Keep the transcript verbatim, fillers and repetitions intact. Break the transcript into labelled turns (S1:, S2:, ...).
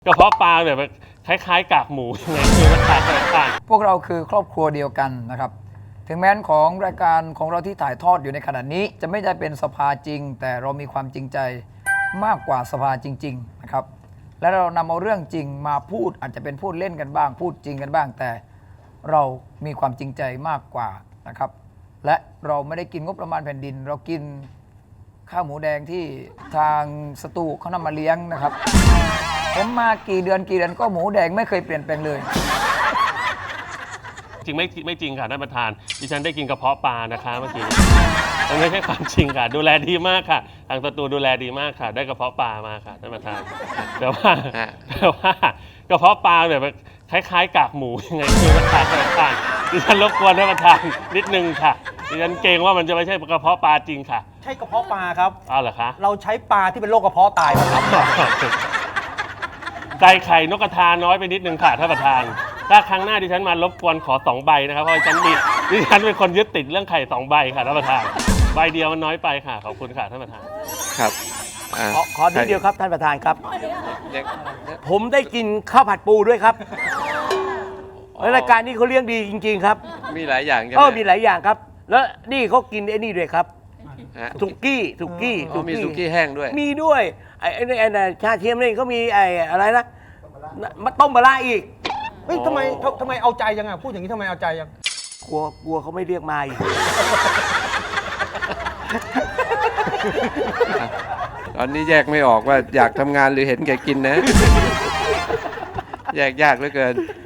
S1: กระเพาะปลาแบบคล้ายๆกากหมูยังไงคือมันต่างกัน
S2: พวกเราคือครอบครัวเดียวกันนะครับถึงแม้นของรายการของเราที่ถ่ายทอดอยู่ในขณะนี้จะไม่ได้เป็นสภาจริงแต่เรามีความจริงใจมากกว่าสภาจริงๆนะครับและเรานำเอาเรื่องจริงมาพูดอาจจะเป็นพูดเล่นกันบ้างพูดจริงกันบ้างแต่เรามีความจริงใจมากกว่านะครับและเราไม่ได้กินงบประมาณแผ่นดินเรากินข้าวหมูแดงที่ทางสตูเขานำมาเลี้ยงนะครับผมมากี่เดือนกี่เดือนก็หมูแดงไม่เคยเปลี่ยนแปลงเลย
S1: จริงไม่ไม่จริงค่ะท่านประธานดิฉันได้กินกระเพาะปลานะคะเมื่อกี้มันไม่ใช่ความจริงค่ะดูแลดีมากค่ะทางสตูดูแลดีมากค่ะได้กระเพาะปลามาค่ะท่านประธานแต่ว่าแต่ว่ากระเพาะปลาแบบคล้ายๆกากหมูยังไงคือมันต่างกันดิฉันรบกวนท่านประธานนิดนึงค่ะดิฉันเกรงว่ามันจะไม่ใช่กระเพาะปลาจริงค่ะ
S3: ใช่กระเพาะปลาครับ
S1: อ้าวเหรอคะ
S3: เราใช้ปลาที่เป็นโรคกระเพาะตายมาครับ
S1: ไก่ไข่นกกระทาน้อยไปนิดนึงค่ะท่านประธานถ้าครั้งหน้าดิฉันมารบกวนขอสองใบนะครับเพราะดิฉันมีดิฉันเป็นคนยึดติดเรื่องไข่สองใบค่ะท่านประธานใบเดียวมันน้อยไปค่ะขอบคุณค่ะท่านประธาน
S4: ครับ
S3: ขอขอทีเดียวครับท่านประธานครับผมได้กินข้าวผัดปูด้วยครับรายการนี้เขาเลี้ยงดีจริงๆครับ
S4: มีหลายอย่างใช่ไหม
S3: เออมีหลายอย่างครับแล้วนี่เขากินไอ้นี่ด้วยครับสุกี้สุกี้
S4: มีสุกี้แห้งด้วย
S3: มีด้วยไอ้ไอ้ไอ้ชาเทียมนี่เขามีไอ้อะไรนะมาต้มปลาอีก
S5: เฮ้ยทำไมทำไมเอาใจยังอ่ะพูดอย่างนี้ทำไมเอาใจยัง
S3: กลัวกลัวเขาไม่เรียกมาอีก
S4: ตอนนี้แยกไม่ออกว่าอยากทำงานหรือเห็นแกกินนะแยกยากเหลือเกิน